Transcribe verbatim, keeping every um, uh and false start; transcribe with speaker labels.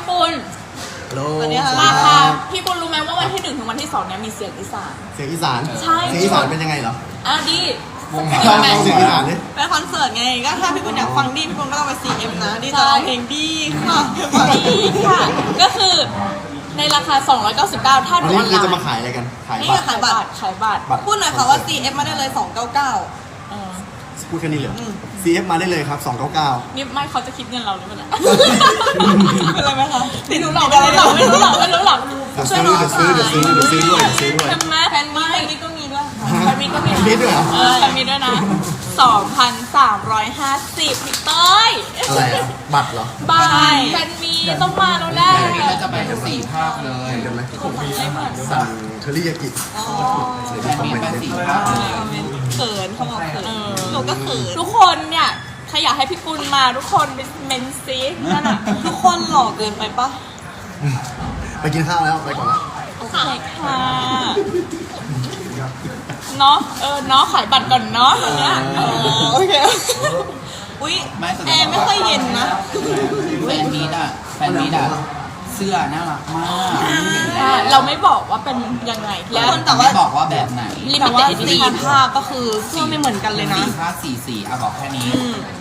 Speaker 1: ปุณ
Speaker 2: โล
Speaker 1: ราคาพี่ปุณรู้ไหมว่าวันที่หนึ่งถึงวันที่สองเนี่ยมีเสียงอีสาน
Speaker 2: เสียงอีสาน
Speaker 1: ใช่
Speaker 2: เสียงอีสานเป็นยังไงเหรอ
Speaker 1: อ่ะดี
Speaker 2: ลองฟังเสียงอีสานดิ
Speaker 3: ไปคอนเสิร์ตไงก็ถ้าพี่ปุณอยากฟังดีพี่ปุณก็ต้องไป ซี เอ็ม นะดีจะร้องเพลงดีค่ะ
Speaker 1: ดีค่ะ ก็คือในราคาสองร้อยเก้าสิบเก้าถ้า
Speaker 2: อัน
Speaker 1: ดู
Speaker 2: นี้
Speaker 1: ออนไล
Speaker 2: คือ
Speaker 1: น์
Speaker 2: จะมาขายอะไรกัน ขาย
Speaker 1: นี่
Speaker 2: บัตร
Speaker 1: ขายบัตรขายบัตร
Speaker 2: บัตร
Speaker 3: พูดหน่อยค่ะว่า ซี เอ็ม มาได้เลยสองเก้าเก้า
Speaker 1: เออ
Speaker 2: พูดแค่นี้เลย ซี เอฟ มาได้เลยครับสองเก้าเก้า
Speaker 1: นี่ไม่เขาจะคิดเงินเราหรือเปล่า
Speaker 3: อะไรไหมคะ
Speaker 1: ไม่รู้หรอกไม่รู้หรอกไม่รู้หรอกไม่รู้หรอก
Speaker 2: เดี๋ยวซื้อเดี๋ยวซื้อเดี๋ยวซื้อเดี๋ยวซื้อด้วยเดี๋ยวซื้อด้วย
Speaker 1: ใช่ไหม
Speaker 3: แฟนมีแฟนมีก็มีด้วยค่ะ
Speaker 1: แฟนมีก็มี
Speaker 2: มีด้วยเหรอ
Speaker 1: เออแฟนมีด้วยนะสองพันสามร้อยห้าสิบพี่เต้ย
Speaker 2: อะไรอ่ะ บัตรเหรอ
Speaker 1: บายแฟนมีต้องมาแล้วแหละ
Speaker 4: ก็จะไปสี่ภาคเลย
Speaker 2: เห็นกันไหมสั่งเทอริยากิ
Speaker 3: อ๋อ
Speaker 2: เลยที่คอมเมนต์
Speaker 4: ไป
Speaker 2: เนี่ย
Speaker 4: สี่ภาคเลย
Speaker 3: เขินเขาบอกเขิน
Speaker 1: เออ
Speaker 3: หนูก็เขิน
Speaker 1: ทุกคนเนี่ยใครอยากให้พี่กุลมาทุกคนเป็นเมนซีนั่นน่ะ
Speaker 3: ทุกคนหล่อเกินไปปะ
Speaker 2: ไปกินข้าวแล้ว ไปก่อนละ
Speaker 1: โอเคค่ะเนาะเออเนาะขายบัตรก่อนเนาะอันเนี้ยเออ
Speaker 3: โอเคอุ้ยแอร์ไม่ค่อยเย็นนะ
Speaker 4: แฟนมีดอ่ะแฟนมีดอ่ะเสื้อน่ารักมาก
Speaker 1: อ่าเราไม่บอกว่าเป็นยังไง
Speaker 3: ทุก
Speaker 1: แล้ว
Speaker 3: คนแต่
Speaker 4: ไม่
Speaker 3: ว่า
Speaker 4: บอกว่าแบบไหน
Speaker 1: ลิมิ
Speaker 3: แต่
Speaker 1: เต็
Speaker 3: ว่า
Speaker 1: ด
Speaker 3: สี
Speaker 1: ดิชั่น
Speaker 3: ภาพก็คือเสื้อไม่เหมือนกันเลยนะ
Speaker 4: สี่ภาคสี่สีอ่ะบอกแค่นี้
Speaker 3: อืม